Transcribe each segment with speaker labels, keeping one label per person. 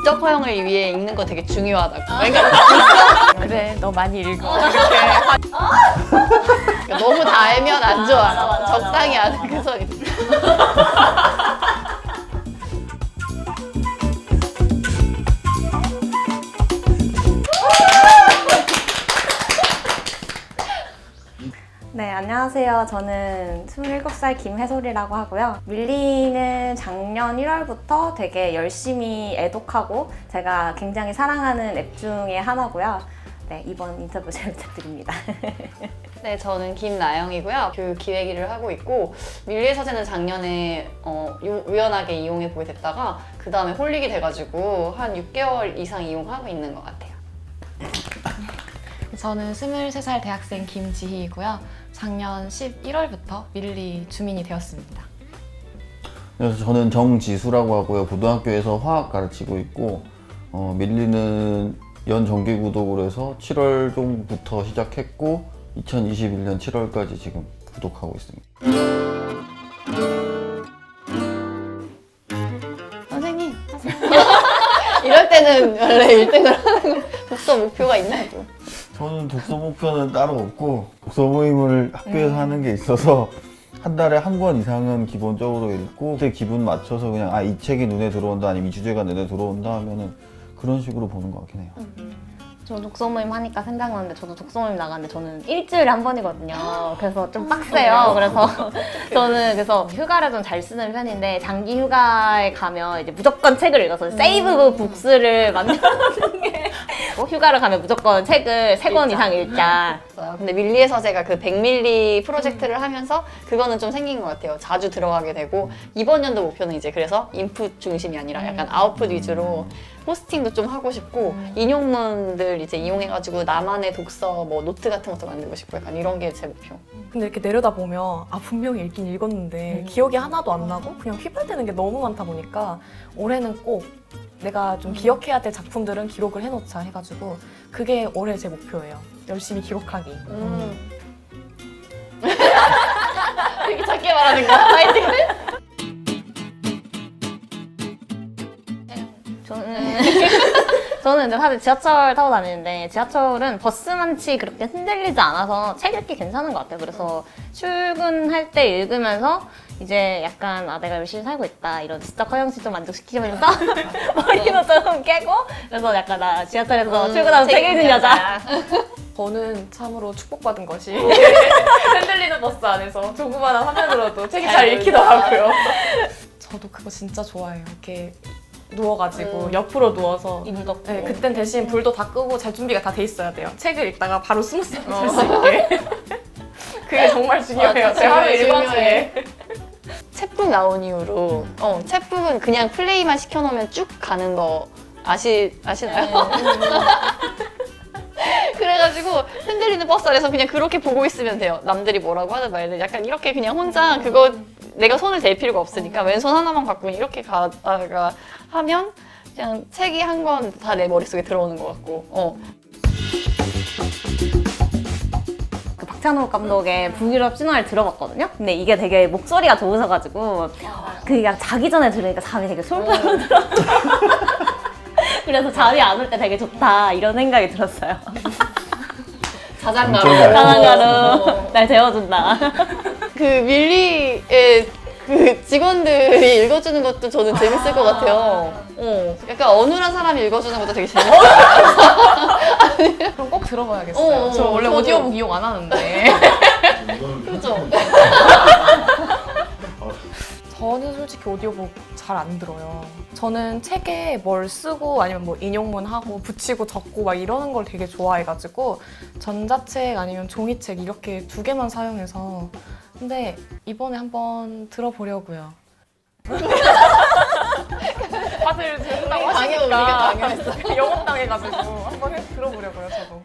Speaker 1: 지적 허용을 위해 읽는 거 되게 중요하다고. 그러니까
Speaker 2: 그래, 너 많이 읽어.
Speaker 1: 그러니까 너무 다 알면 안 좋아.
Speaker 3: 맞아.
Speaker 1: 적당히 아는 그 소리.
Speaker 3: 네, 안녕하세요. 저는 27살 김혜솔이라고 하고요. 밀리는 작년 1월부터 되게 열심히 애독하고 제가 굉장히 사랑하는 앱 중에 하나고요. 네, 이번 인터뷰 잘 부탁드립니다.
Speaker 1: 네, 저는 김나영이고요. 교육 기획 일을 하고 있고 밀리의 서재는 작년에 우연하게 이용해 보게 됐다가 그 다음에 홀릭이 돼가지고 한 6개월 이상 이용하고 있는 것 같아요.
Speaker 2: 저는 23살 대학생 김지희이고요. 작년 11월부터 밀리 주민이 되었습니다.
Speaker 4: 그래서 저는 정지수라고 하고요. 고등학교에서 화학 가르치고 있고 밀리는 연정기 구독으로 해서 7월 정부터 시작했고 2021년 7월까지 지금 구독하고 있습니다.
Speaker 1: 선생님 이럴 때는 원래 1등을 하는 거 독서 목표가 있나요?
Speaker 4: 저는 독서 목표는 따로 없고 독서 모임을 학교에서 하는 게 있어서 한 달에 한 권 이상은 기본적으로 읽고 그때 기분 맞춰서 그냥 이 책이 눈에 들어온다 아니면 이 주제가 눈에 들어온다 하면은 그런 식으로 보는 것 같긴 해요.
Speaker 3: 저 독서 모임 하니까 생각나는데 저도 독서 모임 나가는데 저는 일주일에 한 번이거든요. 그래서 좀 빡세요. 그래서 저는 휴가를 좀 잘 쓰는 편인데 장기 휴가에 가면 이제 무조건 책을 읽어서 세이브 북스를 만드는 게 휴가를 가면 무조건 책을 3권 이상 읽자.
Speaker 1: 근데 밀리의 서재가 그 100밀리 프로젝트를 하면서 그거는 좀 생긴 것 같아요. 자주 들어가게 되고 이번 연도 목표는 이제 그래서 인풋 중심이 아니라 약간 아웃풋 위주로 포스팅도 좀 하고 싶고 인용문들 이제 이용해가지고 나만의 독서 뭐 노트 같은 것도 만들고 싶고 약간 이런 게 제 목표.
Speaker 5: 근데 이렇게 내려다보면 분명히 읽긴 읽었는데 기억이 하나도 안 나고 그냥 휘발되는 게 너무 많다 보니까 올해는 꼭 내가 좀 기억해야 될 작품들은 기록을 해놓자 해가지고 그게 올해 제 목표예요. 열심히 기록하기.
Speaker 1: 되게 작게 말하는 거야. 파이팅!
Speaker 3: 저는 이제 사실 지하철 타고 다니는데 지하철은 버스만치 그렇게 흔들리지 않아서 책 읽기 괜찮은 것 같아요. 그래서 출근할 때 읽으면서 이제 약간 내가 열심히 살고 있다 이런 지적 허영시 좀 만족시키면서 머리도 좀 깨고 그래서 약간 나 지하철에서 출근하면 책 읽는 여자.
Speaker 5: 저는 참으로 축복받은 것이 흔들리는 버스 안에서 조그마한 화면으로도 책이 잘 읽히더라고요. 저도 그거 진짜 좋아해요. 이렇게 누워가지고 옆으로 누워서
Speaker 3: 임덕.
Speaker 5: 네, 그땐 대신 불도 다 끄고 잘 준비가 다 돼 있어야 돼요. 책을 읽다가 바로 스무스하게 잘 수 있게. 그게 정말 중요해요. 제 하루 일과 중에.
Speaker 1: 챕북 나온 이후로 챕북은 그냥 플레이만 시켜놓으면 쭉 가는 거 아시나요? 그래가지고 흔들리는 버스 안에서 그냥 그렇게 보고 있으면 돼요. 남들이 뭐라고 하든 말든 약간 이렇게 그냥 혼자 그거 내가 손을 댈 필요가 없으니까 왼손 하나만 갖고 이렇게 가다가 하면 그냥 책이 한 권 다 내 머릿속에 들어오는 것 같고
Speaker 3: 그 박찬욱 감독의 북유럽 신화를 들어봤거든요. 근데 이게 되게 목소리가 좋으셔가지고 그냥 자기 전에 들으니까 잠이 되게 솔솔 들어. 그래서 잠이 안 올 때 되게 좋다 이런 생각이 들었어요.
Speaker 1: 자장가로
Speaker 3: 가난가로 날 재워준다.
Speaker 1: 그 밀리의 그 직원들이 읽어주는 것도 저는 재밌을 것 같아요. 약간 어눌한 사람이 읽어주는 것도 되게 재밌어요.
Speaker 5: 그럼 꼭 들어봐야겠어요. 저 원래
Speaker 1: 저도.
Speaker 5: 오디오북 이용 안 하는데.
Speaker 1: 그렇죠?
Speaker 5: 저는 솔직히 오디오북 잘 안 들어요. 저는 책에 뭘 쓰고 아니면 뭐 인용문 하고 붙이고 적고 막 이러는 걸 되게 좋아해가지고 전자책 아니면 종이책 이렇게 2개만 사용해서 근데 이번에 한번 들어보려고요. 다들 들은다고
Speaker 1: 강요 우리가
Speaker 5: 하시니까
Speaker 1: 강요했어.
Speaker 5: 영업당해가지고 한번 들어보려고요, 저도.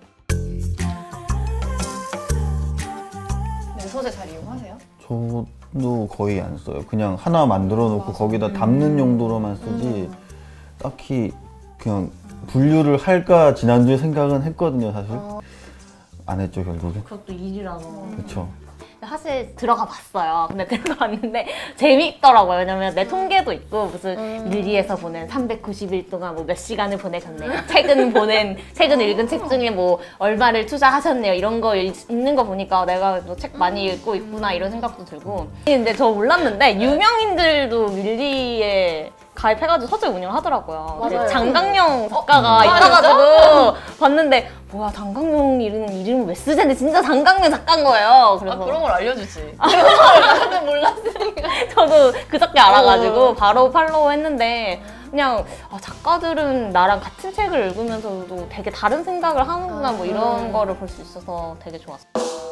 Speaker 1: 네, 소재 잘 이용하세요?
Speaker 4: 저도 거의 안 써요. 그냥 하나 만들어 놓고 거기다 담는 용도로만 쓰지 딱히 그냥 분류를 할까 지난주에 생각은 했거든요, 사실. 안 했죠, 결국에.
Speaker 3: 그것도 일이라서.
Speaker 4: 그렇죠.
Speaker 3: 사실 들어가 봤어요. 근데 들어가 봤는데 재미있더라고요. 왜냐면 내 통계도 있고 무슨 밀리에서 보낸 390일 동안 뭐 몇 시간을 보내셨네요. 최근 읽은 책 중에 뭐 얼마를 투자하셨네요. 이런 거 읽는 거 보니까 내가 뭐 책 많이 읽고 있구나 이런 생각도 들고. 근데 저 몰랐는데 유명인들도 밀리에 가입해가지고 서재 운영하더라고요.
Speaker 1: 맞아요.
Speaker 3: 장강영 작가가
Speaker 1: 아,
Speaker 3: 있어가지고 봤는데 뭐야 장강영 이름을 왜 쓰지? 근데 진짜 장강영 작가인 거예요. 그래서
Speaker 1: 그런 걸 알려주지.
Speaker 3: 나는 몰랐으니까 저도 그저께 알아가지고 바로 팔로우 했는데 그냥 작가들은 나랑 같은 책을 읽으면서도 되게 다른 생각을 하는구나 뭐 이런 거를 볼 수 있어서 되게 좋았어요.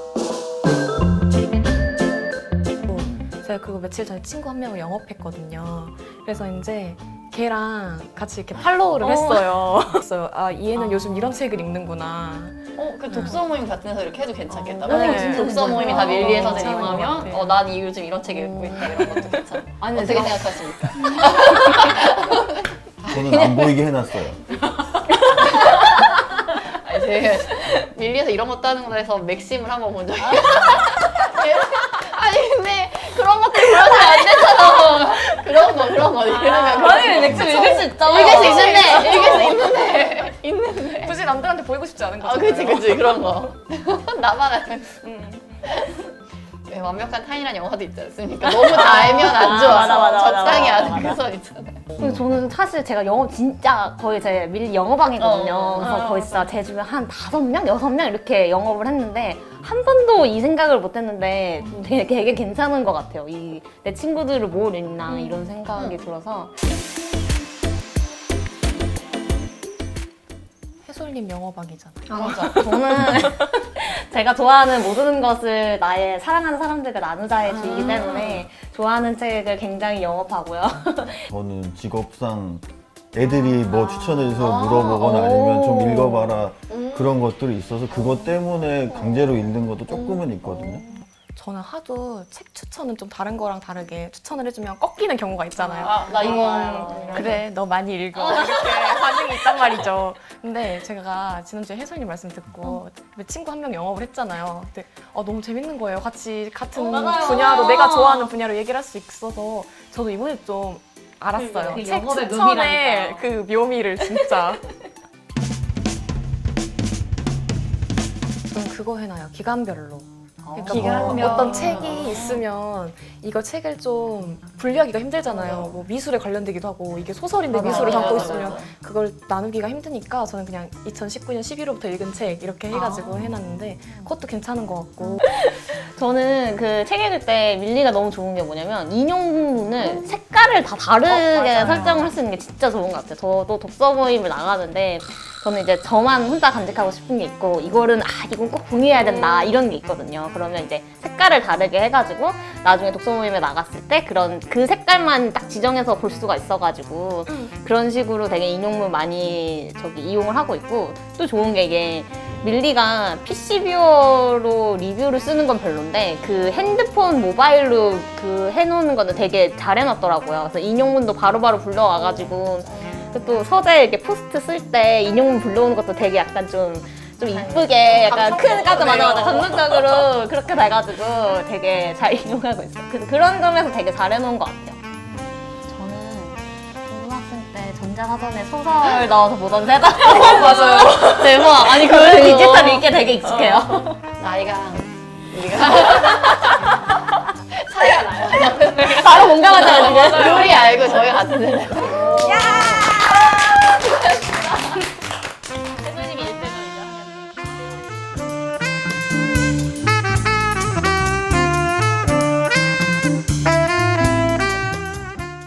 Speaker 5: 제가 그거 며칠 전에 친구 한 명을 영업했거든요. 그래서 이제 걔랑 같이 이렇게 팔로우를 했어요. 그래서 이 애는 요즘 이런 책을 읽는구나.
Speaker 1: 그 독서 모임 같은 데서 이렇게 해도 괜찮겠다.
Speaker 5: 네.
Speaker 1: 만약에 진짜 독서 모임이 다 밀리의 서재
Speaker 5: 괜찮은 것
Speaker 1: 이용하면
Speaker 5: 같아요.
Speaker 1: 난 요즘 이런 책 읽고 있다 이런 것도 괜찮아.
Speaker 3: 아니,
Speaker 1: 어떻게
Speaker 3: 제가-
Speaker 1: 생각하십니까?
Speaker 4: 저는 안 보이게 해놨어요.
Speaker 1: 아니 제가 밀리에서 이런 것도 하는구나 해서 맥심을 한번 본 적이 아니 근데 그런 것들 보여주면 안 되잖아. 그런 거 이러면
Speaker 3: 아니 맥주 읽을 수 있죠.
Speaker 1: 있는데
Speaker 5: 굳이 남들한테 보이고 싶지 않은 거죠.
Speaker 1: 그치 그런 거 나만 알면 왜 완벽한 타인이라는 영화도 있지 않습니까? 너무 다 알면 안 좋아.
Speaker 3: 맞아.
Speaker 1: 적당히 아는 그 선 있잖아요.
Speaker 3: 근데 저는 사실 제가 영업 진짜 거의 제 밀리 영업왕이거든요.
Speaker 1: 어,
Speaker 3: 그래서 거의 진짜 제 주변 한 5명, 6명 이렇게 영업을 했는데 한 번도 이 생각을 못 했는데 되게 괜찮은 것 같아요. 내 친구들을 뭘 읽나 이런 생각이 들어서.
Speaker 5: 해솔님 영어방이잖아요.
Speaker 1: 맞아.
Speaker 3: 저는 제가 좋아하는 모든 것을 나의 사랑하는 사람들과 나누자의 주의이기 때문에 좋아하는 책을 굉장히 영업하고요.
Speaker 4: 저는 직업상 애들이 뭐 추천해줘서 물어보거나 아니면 좀 읽어봐라 그런 것들이 있어서 그것 때문에 강제로 읽는 것도 조금은 있거든요.
Speaker 5: 저는 하도 책 추천은 좀 다른 거랑 다르게 추천을 해주면 꺾이는 경우가 있잖아요.
Speaker 1: 나 이거
Speaker 5: 그래, 너 많이 읽어. 이렇게 반응이 있단 말이죠. 근데 제가 지난주에 혜솔님 말씀 듣고 친구 한 명 영업을 했잖아요. 근데 너무 재밌는 거예요. 같은
Speaker 3: 맞아요.
Speaker 5: 분야로 내가 좋아하는 분야로 얘기를 할 수 있어서 저도 이번에 좀 알았어요.
Speaker 3: 그
Speaker 5: 책
Speaker 3: 영업의
Speaker 5: 추천의
Speaker 3: 묘미라니까요.
Speaker 5: 그 묘미를 진짜. 저는 그거 해놔요. 기간별로.
Speaker 3: 기간별.
Speaker 5: 어떤 책이 있으면 이거 책을 좀 분류하기가 힘들잖아요. 뭐 미술에 관련되기도 하고 이게 소설인데 미술을 담고 있으면 그걸 나누기가 힘드니까 저는 그냥 2019년 11월부터 읽은 책 이렇게 해가지고 해놨는데 그것도 괜찮은 것 같고.
Speaker 3: 저는 그 책 읽을 때 밀리가 너무 좋은 게 뭐냐면 인용문을 색깔을 다 다르게 설정을 할 수 있는 게 진짜 좋은 것 같아요. 저도 독서 모임을 나가는데 저는 이제 저만 혼자 간직하고 싶은 게 있고 이거는 이건 꼭 공유해야 된다 이런 게 있거든요. 그러면 이제 색깔을 다르게 해가지고 나중에 독서 모임에 나갔을 때 그 색깔만 딱 지정해서 볼 수가 있어가지고 그런 식으로 되게 인용문 많이 이용을 하고 있고 또 좋은 게 이게 밀리가 PC 뷰어로 리뷰를 쓰는 건 별론데 그 핸드폰 모바일로 해놓는 거는 되게 잘 해놨더라고요. 그래서 인용문도 바로바로 불러와가지고 또 서재 이렇게 포스트 쓸 때 인용문 불러오는 것도 되게 약간 좀 이쁘게 약간 큰 맞아 감동적으로 그렇게 돼가지고 되게 잘 이용하고 있어요. 그래서 그런 점에서 되게 잘 해놓은 것 같아요. 저는 고등학생 때 전자사전에 소설 넣어서 보던 세다.
Speaker 5: 맞아요.
Speaker 3: 대박. 아니 그 디지털 읽기 되게 익숙해요.
Speaker 1: 나이가 우리가 차이가 나요.
Speaker 3: 바로 공감하잖아요 지금.
Speaker 1: 요리 알고 저희 같은 세대.